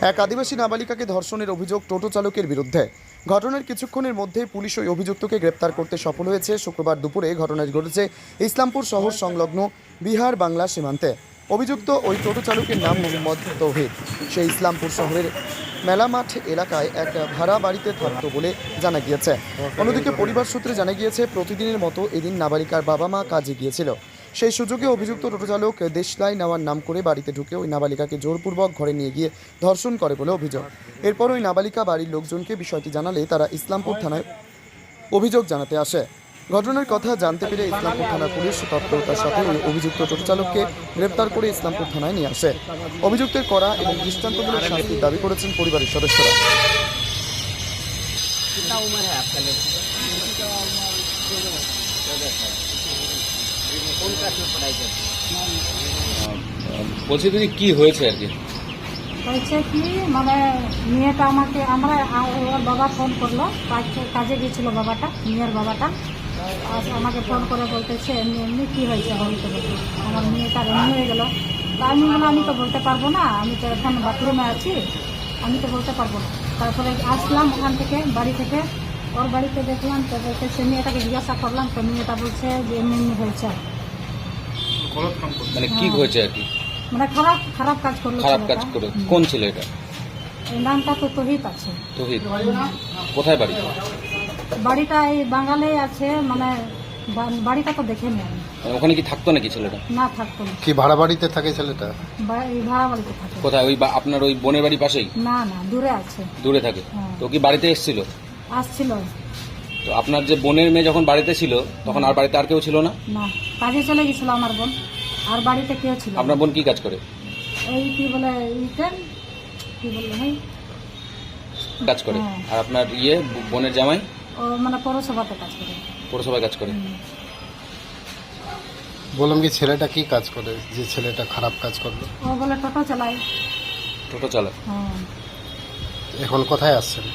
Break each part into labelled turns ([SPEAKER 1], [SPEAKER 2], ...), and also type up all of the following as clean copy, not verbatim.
[SPEAKER 1] এক আদিবাসী নাবালিকাকে ধর্ষণের অভিযোগ টোটো চালকের বিরুদ্ধে। ঘটনার কিছুক্ষণের মধ্যে পুলিশ ওই অভিযুক্তকে গ্রেপ্তার করতে সফল হয়েছে। শুক্রবার দুপুরে ঘটনাটি ঘটেছে ইসলামপুর শহর সংলগ্ন বিহার বাংলা সীমান্তে। অভিযুক্ত ওই টোটো চালকের নাম মোহাম্মদ তৌহিদ। সে ইসলামপুর শহরের মেলামাঠ এলাকায় এক ভাড়া বাড়িতে থাকত বলে জানা গিয়েছে। অন্যদিকে পরিবার সূত্রে জানা গিয়েছে, প্রতিদিনের মতো এদিন নাবালিকার বাবা মা কাজে গিয়েছিল। সেই সুযোগে অভিযুক্ত টোটো চালক দেশলাই নেওয়ার নাম করে বাড়িতে ঢুকে ওই নাবালিকাকে জোরপূর্বক ঘরে নিয়ে গিয়ে ধর্ষণ করে বলে অভিযোগ। এরপর ওই নাবালিকা বাড়ির লোকজনকে বিষয়টি জানালে তারা ইসলামপুর থানায় অভিযোগ জানাতে আসে। ঘটনার কথা জানতে পেরে ইসলামপুর থানার পুলিশ তৎপরতার সাথে ওই অভিযুক্ত টোটো চালককে গ্রেপ্তার করে ইসলামপুর থানায় নিয়ে আসে। অভিযুক্তের কড়া এবং দৃষ্টান্তমূলক শাস্তির দাবি করেছেন পরিবারের সদস্যরা।
[SPEAKER 2] বলছি দিদি, কি হয়েছে আর কি?
[SPEAKER 3] হয়েছে কি, মানে মেয়েটা ওর বাবা ফোন করলো, কাজে গিয়েছিল বাবাটা, মেয়ের বাবাটা। আর আমাকে ফোন করে বলতেছে এমনি এমনি কী হয়েছে, বলতে বলতে আমার মেয়েটার এমনি হয়ে গেল। তা আমি বললাম আমি তো বলতে পারবো না, আমি তো এখন বাথরুমে আছি, আমি তো বলতে পারবো না। তারপরে আসলাম ওখান থেকে, বাড়ি থেকে, ওর বাড়িতে দেখলাম, তো বলতেছে মেয়েটাকে জিজ্ঞাসা করলাম, তো মেয়েটা বলছে যে এমনি এমনি হয়েছে।
[SPEAKER 2] মানে কি হয়েছে আর কি?
[SPEAKER 3] মানে খারাপ কাজ করলো।
[SPEAKER 2] খারাপ কাজ করে? কোন ছিল এটা?
[SPEAKER 3] এই নামটা তো তহিদ আছে।
[SPEAKER 2] তহিদ কোথায় বাড়ি?
[SPEAKER 3] বাড়িটা এই বাঙালি আছে, মানে বাড়িটা তো দেখে নি আমি।
[SPEAKER 2] ওখানে কি থাকতো নাকি ছেলেটা?
[SPEAKER 3] না, থাকতো না।
[SPEAKER 4] কি ভাড়া বাড়িতে থাকে ছেলেটা?
[SPEAKER 3] এই ভাড়া বাড়িতে থাকে।
[SPEAKER 2] কোথায়? ওই আপনার ওই বোনের বাড়ি পাশেই?
[SPEAKER 3] না না, দূরে আছে।
[SPEAKER 2] দূরে থাকে?
[SPEAKER 3] হ্যাঁ।
[SPEAKER 2] তো কি বাড়িতে এসেছিল?
[SPEAKER 3] আসছিল।
[SPEAKER 2] তো আপনার যে বোনের মেয়ে যখন বাড়িতে ছিল তখন আর বাড়িতে আর কেউ ছিল না?
[SPEAKER 3] না, কাজে চলে গেছিল আমার বোন, আর বাড়িতে কেউ ছিল না।
[SPEAKER 2] আপনার বোন কি কাজ করে?
[SPEAKER 3] এই কি বলে কি বললো ভাই,
[SPEAKER 2] কাজ করে।
[SPEAKER 3] হ্যাঁ।
[SPEAKER 2] আর আপনার বোনের জামাই?
[SPEAKER 3] ও মানে পৌরসভাতে কাজ করে।
[SPEAKER 2] পৌরসভায় কাজ করে।
[SPEAKER 4] বললাম কি ছেলেটা কি কাজ করে যে ছেলেটা খারাপ কাজ করলো?
[SPEAKER 3] ও বলে টোটো চালায়।
[SPEAKER 2] টোটো চালায়?
[SPEAKER 3] হ্যাঁ।
[SPEAKER 4] এখন কোথায় আসছেন?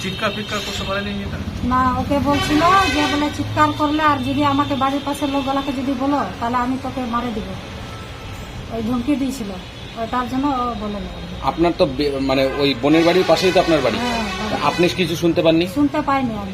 [SPEAKER 3] না, ওকে বলছিল যে বলে চিৎকার করলে আর যদি আমাকে বাড়ির পাশের লোকগুলাকে যদি বলো তাহলে আমি তোকে মারে দিব, ওই ধমকি দিয়েছিল। ওটার জন্য ও বলে না।
[SPEAKER 2] আপনার তো মানে ওই বোনের বাড়ির পাশেই তো আপনার বাড়ি।
[SPEAKER 3] হ্যাঁ,
[SPEAKER 2] আপনি কিছু শুনতে পাননি?
[SPEAKER 3] শুনতে পাইনি, আমি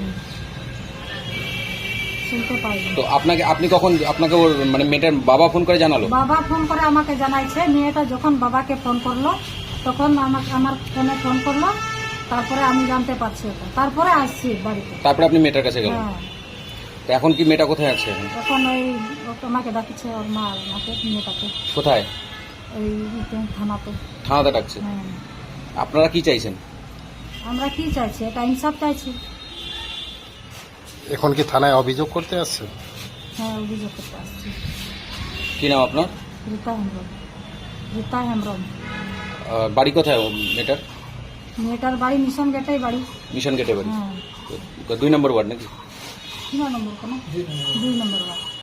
[SPEAKER 3] শুনতে পাইনি।
[SPEAKER 2] তো আপনি কখন আপনাকে ওর মানে মেয়েটার বাবা ফোন করে জানালো?
[SPEAKER 3] বাবা ফোন করে আমাকে জানাইছে। মেয়েটা যখন বাবাকে ফোন করলো তখন আমার ফোনে ফোন করলো, তারপরে আমি জানতে পারছি ওটা, তারপরে আসছি বাড়িতে।
[SPEAKER 2] তারপরে আপনি মেয়েটার কাছে গেলেন?
[SPEAKER 3] হ্যাঁ।
[SPEAKER 2] তো এখন কি মেয়েটা কোথায় আছে?
[SPEAKER 3] তখন ওই আমাকে ডাকছে, ওর মা আমাকে, মেয়েটাকে
[SPEAKER 2] কোথায়?
[SPEAKER 3] ওই থানাতে।
[SPEAKER 2] থানাতে ডাকছে?
[SPEAKER 3] হ্যাঁ।
[SPEAKER 2] আপনারা কি চাইছেন?
[SPEAKER 3] আমরা কি চাইছি, এটা ইনসাফ চাইছি।
[SPEAKER 4] এখন কি থানায় অভিযোগ করতে আসছেন?
[SPEAKER 3] হ্যাঁ, অভিযোগ করতে আসছি।
[SPEAKER 2] কি নাম আপনার?
[SPEAKER 3] রীতা হেমব্রম।
[SPEAKER 2] বাড়ি কোথায় মেয়েটার?
[SPEAKER 3] মেয়েটার বাড়ি মিশন গেটেই বাড়ি।
[SPEAKER 2] মিশন গেটে বাড়ি?
[SPEAKER 3] হ্যাঁ।
[SPEAKER 2] 2 নম্বর ওয়ার্ড নাকি?
[SPEAKER 3] 3 নম্বর কোনো 2 নম্বর বাড়ি।